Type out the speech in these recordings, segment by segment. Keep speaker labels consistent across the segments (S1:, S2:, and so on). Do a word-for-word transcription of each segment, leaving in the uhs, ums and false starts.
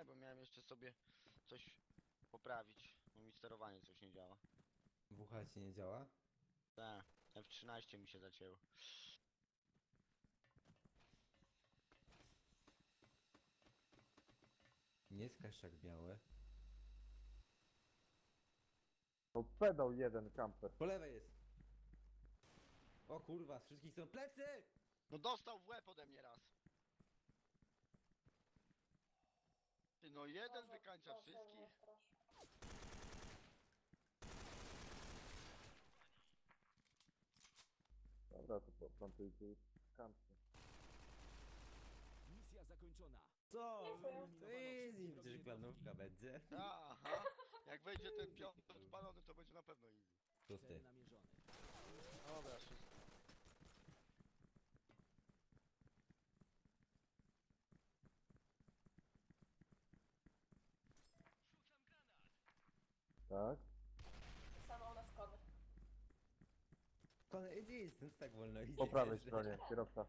S1: Czekaj, bo miałem jeszcze sobie coś poprawić, bo mi sterowanie coś nie działa.
S2: W H ci nie działa?
S1: Tak, F trzynaście mi się zacięło.
S2: Nie skaż jak białe.
S3: To pedał jeden kamper.
S2: Po lewej jest. O kurwa, z wszystkich są plecy!
S1: No dostał w łeb ode mnie raz. Ty no jeden
S4: Boże,
S1: wykańcza
S4: Boże, mnie
S1: wszystkich.
S4: straszy.
S3: Dobra, to poplantujcie ich kampy.
S5: Misja zakończona.
S2: Co?
S4: Dziękuję.
S2: To easy, przecież planówka będzie.
S1: Aha, jak wejdzie ten piąty odpalony, to będzie na pewno easy.
S2: Szósty.
S5: Cel namierzony.
S1: Dobra, wszystko.
S3: Tak?
S4: Sama u nas kony.
S2: Kone, gdzie jest ten tak wolno idzie?
S3: Po prawej stronie, kierowca.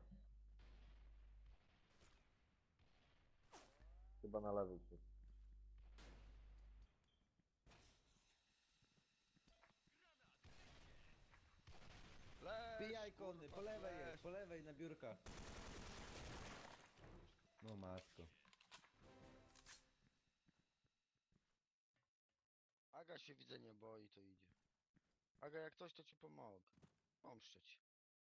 S3: Chyba na lewej się.
S1: Leż,
S2: Pijaj kony,
S1: kurwa,
S2: po lewej
S1: leż.
S2: jest, po lewej na biurkach. No matko.
S1: Aga się widzę nie boi, to idzie. Aga, jak coś, to ci pomogę. Pomszczę ci.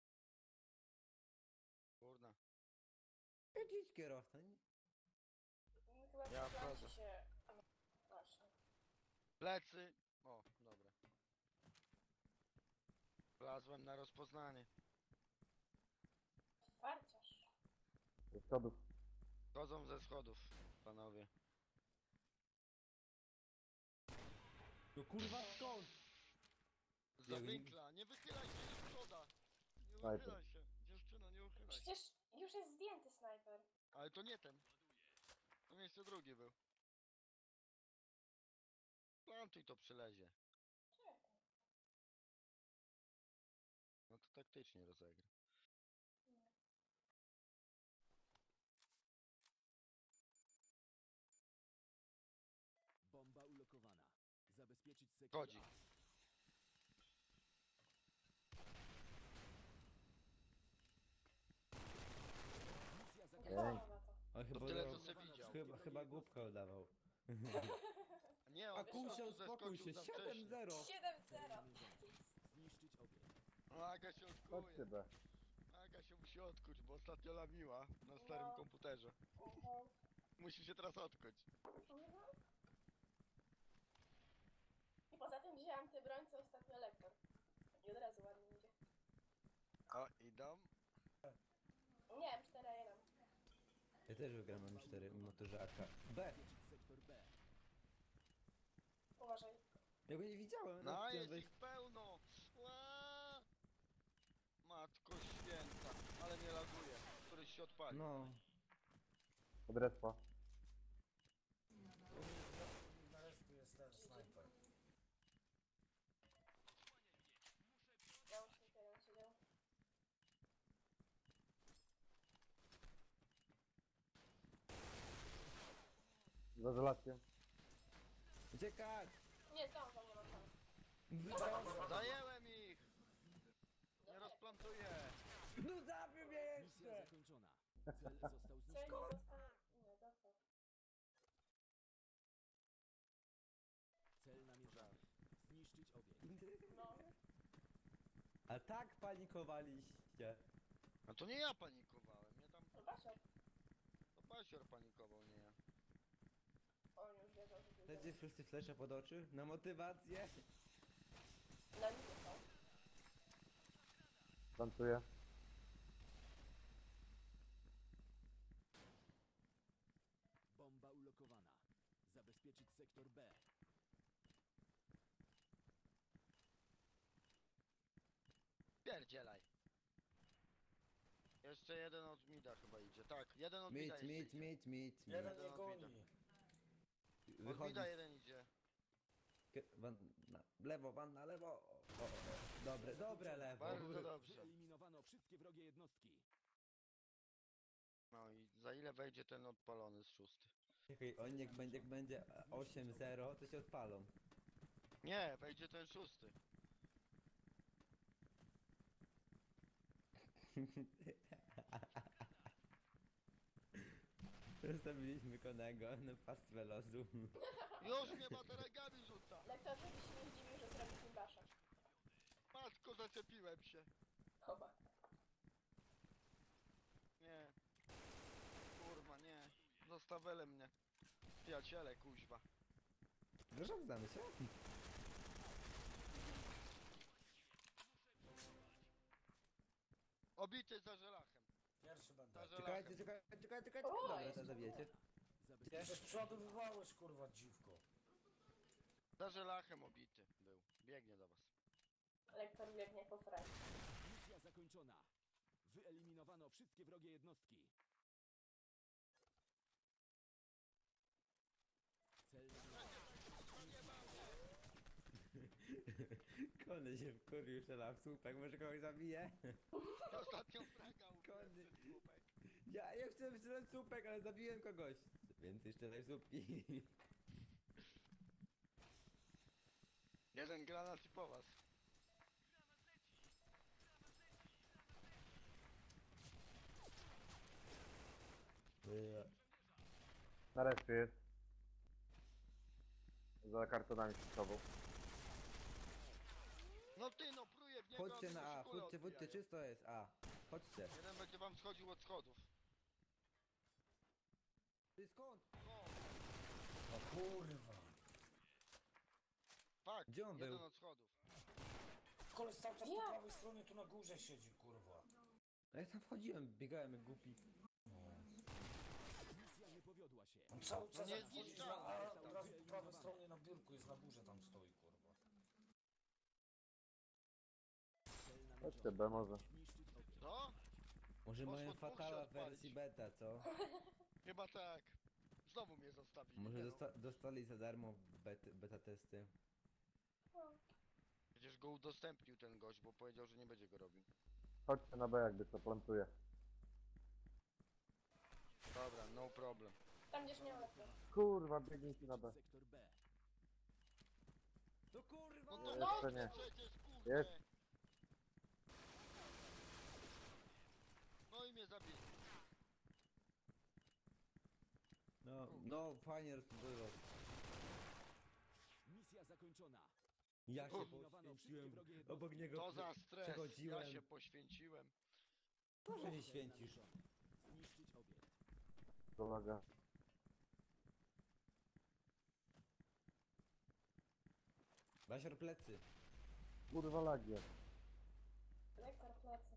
S1: Kurna.
S2: Idź kierowca. nie?
S4: Mm, Chyba
S1: Ja
S4: ja
S1: wchodzę.
S4: się... A, właśnie.
S1: Plecy. O, dobra. Wlazłem na rozpoznanie.
S4: Farciarz.
S3: Ze schodów.
S1: Chodzą ze schodów, panowie.
S2: No kurwa skąd?
S1: Za
S2: Ja bym-
S1: winkla, nie wychylaj się, nie szkoda. Nie
S3: Snajper.
S1: uchylaj się. Dziewczyno, nie uchylaj się.
S4: Przecież już jest zdjęty snajper.
S1: Ale to nie ten. To miejsce drugi był. Plantuj to przylezie.
S4: Czekaj.
S1: No to taktycznie rozegra.
S5: Bomba ulokowana. Zabezpieczyć sektor
S1: Chodzi.
S5: A. Misja zakończona.
S3: Ej.
S4: Chyba na to.
S2: On chyba,
S1: tyle,
S2: udawał-
S1: co se widział.
S2: chyba, chyba głupka udawał.
S1: Nie,
S2: A
S1: on
S2: kusią,
S1: zeskoczył
S2: spokój się,
S1: za
S2: siedem
S1: wcześnie.
S2: zero.
S4: siedem zero.
S5: Zniszczyć obiekt.
S1: No, Aga się
S3: Chodźcie
S1: odkuje.
S3: B.
S1: Aga się musi odkuć, bo ostatnio lamiła na starym
S4: No.
S1: komputerze.
S4: Mhm.
S1: Musi się teraz odkuć.
S4: Mhm. I poza tym wzięłam tę broń, co ostatnio lektor. I od razu ładnie idzie.
S1: O, idą.
S4: Nie, M cztery jeden.
S2: Ja też wygram M cztery w motorze A K. B!
S5: Zabezpieczyć sektor B.
S4: Uważaj.
S2: Ja go nie widziałem.
S1: No,
S2: chciałem
S1: jest
S2: wejść-
S1: ich pełno. Ła! Matko święta, ale mnie laguje. Któryś się odpalił.
S2: No.
S3: Od respa.
S6: Na resztę jest ten snajper.
S4: Załóżnik jeden siedział.
S3: Z izolacją.
S2: Uciekać!
S4: Nie, zdążą, nie ma szans.
S1: Zajęłem ich! Nie
S4: Dobra.
S1: rozplantuję.
S2: No zabił mnie
S5: Misja
S2: jeszcze!
S5: zakończona. Cel został
S4: Cel nie
S5: zniszczony.
S4: został... Nie, został.
S5: Cel namierzony. Zniszczyć obiekt.
S4: No.
S2: A tak panikowaliście.
S1: No to nie ja panikowałem, nie tam...
S4: No Basior.
S1: To Basior panikował, nie ja.
S4: On już wiedział, że będzie.
S2: Chcecie wszyscy flesze pod oczy? Na motywację?
S4: Na nim został.
S3: Plantuję.
S5: Bomba ulokowana. Zabezpieczyć sektor B.
S1: Pierdzielaj. Jeszcze jeden od mida chyba idzie. Tak, jeden od mida
S2: Mit,
S1: jeszcze
S2: mit,
S1: idzie.
S2: mit, mit, mit.
S6: Jeden
S1: Jeden
S6: nie goni.
S1: Od
S2: Wychodzi
S1: mida
S2: z-
S1: jeden idzie.
S2: Kie- Van na lewo, van na lewo. O, o, o. Dobre, dobre lewo.
S1: Bardzo dobrze.
S5: Wyeliminowano wszystkie wrogie jednostki.
S1: No i za ile wejdzie ten odpalony z szósty?
S2: Czekaj, oni jak będzie, jak będzie osiem zero, to się odpalą.
S1: Nie, wejdzie ten szósty.
S2: Zostawiliśmy konego na pastwę losu.
S1: Już mnie bateregami rzuca.
S4: Lektor, żeby się nie zdziwił, że zrobił Timbaша.
S1: Matko, zaczepiłem się.
S4: Oba.
S1: Nie. Kurwa, nie. Zostawele mnie. Przyjaciele, kuźwa.
S2: Proszę, znamy się?
S1: Obity za żelachem.
S6: Pierwszy będę.
S1: Za
S2: Czekajcie,
S1: żelachem.
S2: czekajcie, czekajcie, czekajcie.
S4: O,
S2: Dobra,
S4: jeszcze
S2: to zabijecie.
S5: Zabezpieczyć
S6: Przecież przodowywałeś, kurwa, dziwko.
S1: Za żelachem obity był. Biegnie do was.
S4: Lektor biegnie po fraj.
S5: Misja zakończona. Wyeliminowano wszystkie wrogie jednostki. Cel na
S2: Kony się wkurwił, strzela w słupek, może kogoś zabije?
S1: Ostatnią fraga
S2: Kony.
S1: ubiłem ten słupek.
S2: Ja, ja chciałem strzelać w słupek, ale zabiłem kogoś. Więcej strzelaj w słupki.
S1: Jeden granat i po was.
S3: Na respie jest. Za kartonami przed sobą.
S1: No ty no, pluje w niego,
S2: Chodźcie
S1: a mi
S2: na
S1: się
S2: A,
S1: kule
S2: chodźcie, chodźcie,
S1: odbijają.
S2: czysto jest A. Chodźcie.
S1: Jeden będzie wam schodził od schodów.
S2: Ty skąd?
S1: O,
S6: O kurwa.
S1: tak,
S2: Gdzie on
S1: jeden
S2: był?
S1: od schodów.
S6: Koleś cały czas po
S4: Ja.
S6: prawej stronie tu na górze siedzi, kurwa.
S2: A ja tam wchodziłem, biegałem jak głupi.
S5: misja nie powiodła się.
S6: On cały czas
S1: nie
S6: jak wchodzisz na
S1: zniszczony
S6: A,
S1: jest
S6: od
S1: tam.
S6: razu po prawej stronie na biurku jest na górze, tam stoi, kurwa.
S5: Cel
S3: Chodźcie
S5: namierzony.
S3: B może.
S5: Zniszczyć obiekt.
S1: Co?
S2: Może
S1: Poszło
S2: mają
S1: dwóch się
S2: fatala w
S1: odpalić.
S2: wersji beta, co?
S1: Chyba tak. Znowu mnie zostawili.
S2: Może
S1: Nie no,
S2: dosta dostali za darmo bet beta testy.
S1: przecież go udostępnił ten gość, bo powiedział, że nie będzie go robił.
S3: Chodźcie na B jakby co plantuje.
S1: Dobra, no problem.
S4: Tam gdzieś miał lektor.
S3: Kurwa, biegnijcie na B.
S5: Sektor B.
S2: No kurwa!
S1: No to
S3: Jeszcze
S1: dobrze
S3: nie.
S1: przecież, kurde.
S3: Jest.
S1: No i mnie zabili.
S2: No, no fajnie rozbudował.
S5: Misja zakończona.
S2: Ja się
S5: Wyeliminowano wszystkie
S2: poświęciłem
S5: wrogie jednostki.
S2: obok niego.
S1: To za stres. Ja
S2: Przechodziłem.
S1: się poświęciłem.
S2: Proszę nie
S5: Cel
S2: święcisz.
S5: namierzony. Zniszczyć obiekt.
S3: Kolega.
S2: Basior plecy.
S3: Kurwa lagie.
S4: Lektor plecy.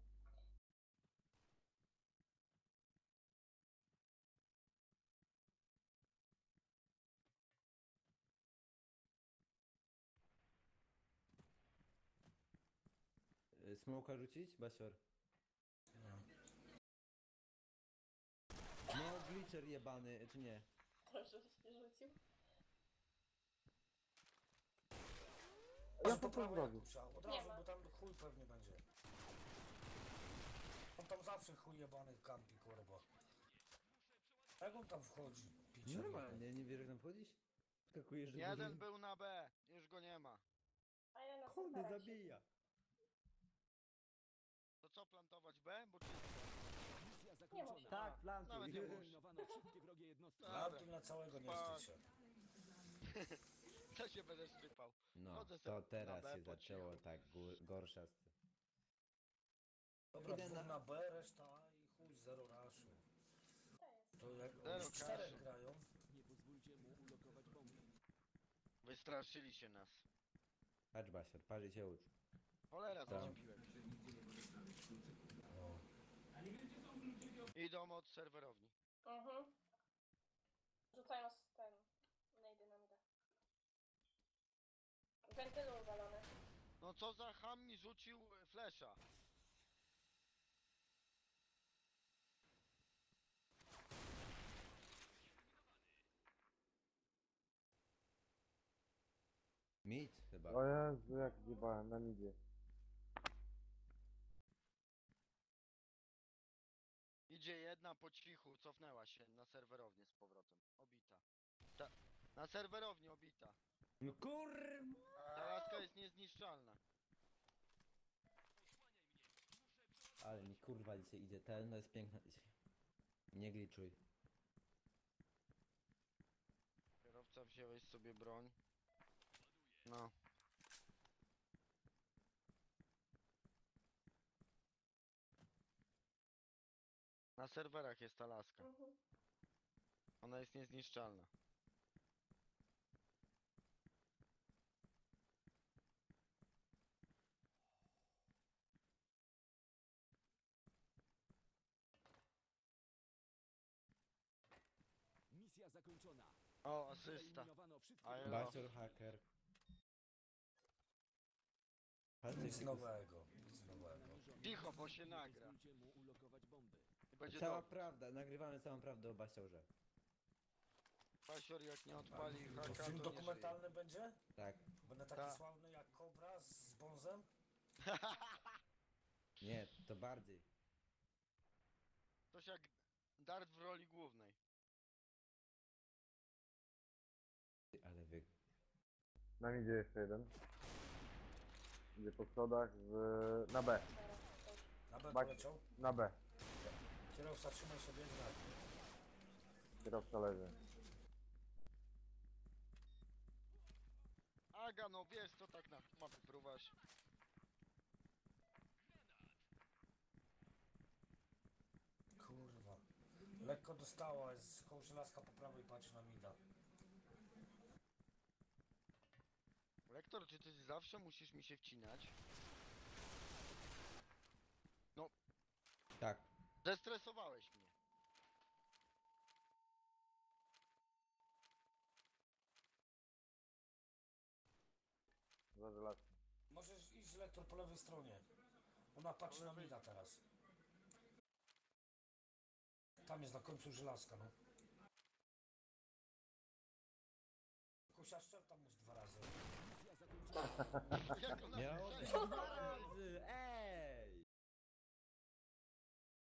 S2: Y, Smoka rzucić? Basior. No, glitcher jebany, czy nie?
S4: Proszę, żeś się rzucił.
S3: Ja
S6: Może
S3: po
S6: po
S3: co
S6: prawej
S3: zrobił?
S6: Jakub trzeba, od
S4: Nie
S6: razu,
S4: ma.
S6: bo tam chuj pewnie będzie. On tam zawsze chuj jebany kampi, kurwa. Jak on tam wchodzi? Picie
S2: Normalnie, nie wiesz jak tam wchodzić? Skakujesz, że
S1: Jeden był na B, już go nie ma.
S4: A ja na
S2: Kony
S4: sektorach
S2: zabija.
S1: To co, plantować B? Bo czysto.
S5: Misja
S4: Nie
S5: zakończona.
S4: ma.
S2: Tak, plantuj.
S1: Nawet nie muszę.
S5: Wyeliminowano wszystkie wrogie jednostki.
S1: Dobra.
S6: Plantuj na całego, nie
S1: Spadł.
S6: wstydź się.
S1: To się będę szczypał.
S2: No,
S1: Chodzę
S2: to
S1: sobie
S2: teraz
S1: na B
S2: się
S1: po
S2: zaczęło
S1: cichu.
S2: tak gór- gorsza. st-
S6: Dobra,
S2: Idę
S6: dwóch
S2: na-
S6: na B, reszta A i chuj, zero raszu.
S4: To jest.
S6: To jak
S1: Zero
S6: już czterech
S1: raszu.
S6: grają,
S5: Nie pozwólcie mu ulokować bomby.
S1: Wystraszyli się nas.
S2: Patrz Basior, patrz i się ucz.
S1: Cholera,
S2: Tak.
S1: zaczepiłem się.
S6: no.
S1: Idą od serwerowni.
S4: Mhm. Rzucają z ten. Nejdy na mida. Wentylu uwalone.
S1: No co za ham mi rzucił e, flesza.
S2: Mit chyba.
S3: O Jezu, jak zjebałem na midzie.
S1: Idzie jedna. jedna po cichu cofnęła się na serwerownię z powrotem. Obita. Ta, na serwerowni obita.
S2: No kurwa!
S1: Ta laska jest niezniszczalna.
S2: Ale mi kurwa dzisiaj idzie, ten no jest piękna dzisiaj. Nie gliczuj.
S1: Kierowca, wziąłeś sobie broń. No. Na serwerach jest ta laska.
S4: Mhm.
S1: Ona jest niezniszczalna.
S5: Misja zakończona.
S1: O, asysta.
S5: Wyeliminowano wszystkie
S1: A ja-
S5: wrogie.
S2: Basior hacker. Palce
S6: Nic
S2: się
S6: nowego, nic nowego.
S1: Cicho, bo się nagra.
S5: Pozwólcie mu ulokować bomby.
S1: I będzie
S2: Cała
S1: dobrze.
S2: prawda, nagrywamy całą prawdę o Basiorze.
S1: Pasior jak nie odpali
S6: To
S1: haka, to
S6: film
S1: nie
S6: dokumentalny będzie?
S2: Tak.
S6: Będę taki
S1: Ta.
S6: sławny jak Kobra z Bonzem?
S2: Nie, to bardziej.
S1: żyje. Coś jak Dart w roli głównej.
S2: Ty, ale wy...
S3: Na midzie jeszcze jeden. Idzie po schodach z... na B.
S4: Teraz coś.
S6: Na B
S3: Bak-
S6: poleciał.
S3: Na B.
S6: Kierowca, trzymaj sobie grać.
S3: Kierowca leży.
S1: Aga, no wiesz co tak na mapy próbasz.
S6: Kurwa. Lekko dostała, jest koło żelazka po prawej, patrzy na mida.
S1: Lektor, czy ty zawsze musisz mi się wcinać?
S2: Tak.
S1: Zestresowałeś mnie.
S3: Za żelazem.
S6: Możesz iść lektor po lewej stronie. Ona patrzy
S1: Po
S6: na
S1: lewej?
S6: mida teraz. Tam jest na końcu żelazka, no. Kusia, szczep tam już dwa razy.
S5: Misja zakończona.
S1: Jak ona
S2: Miało
S1: strzeli?
S2: być dwa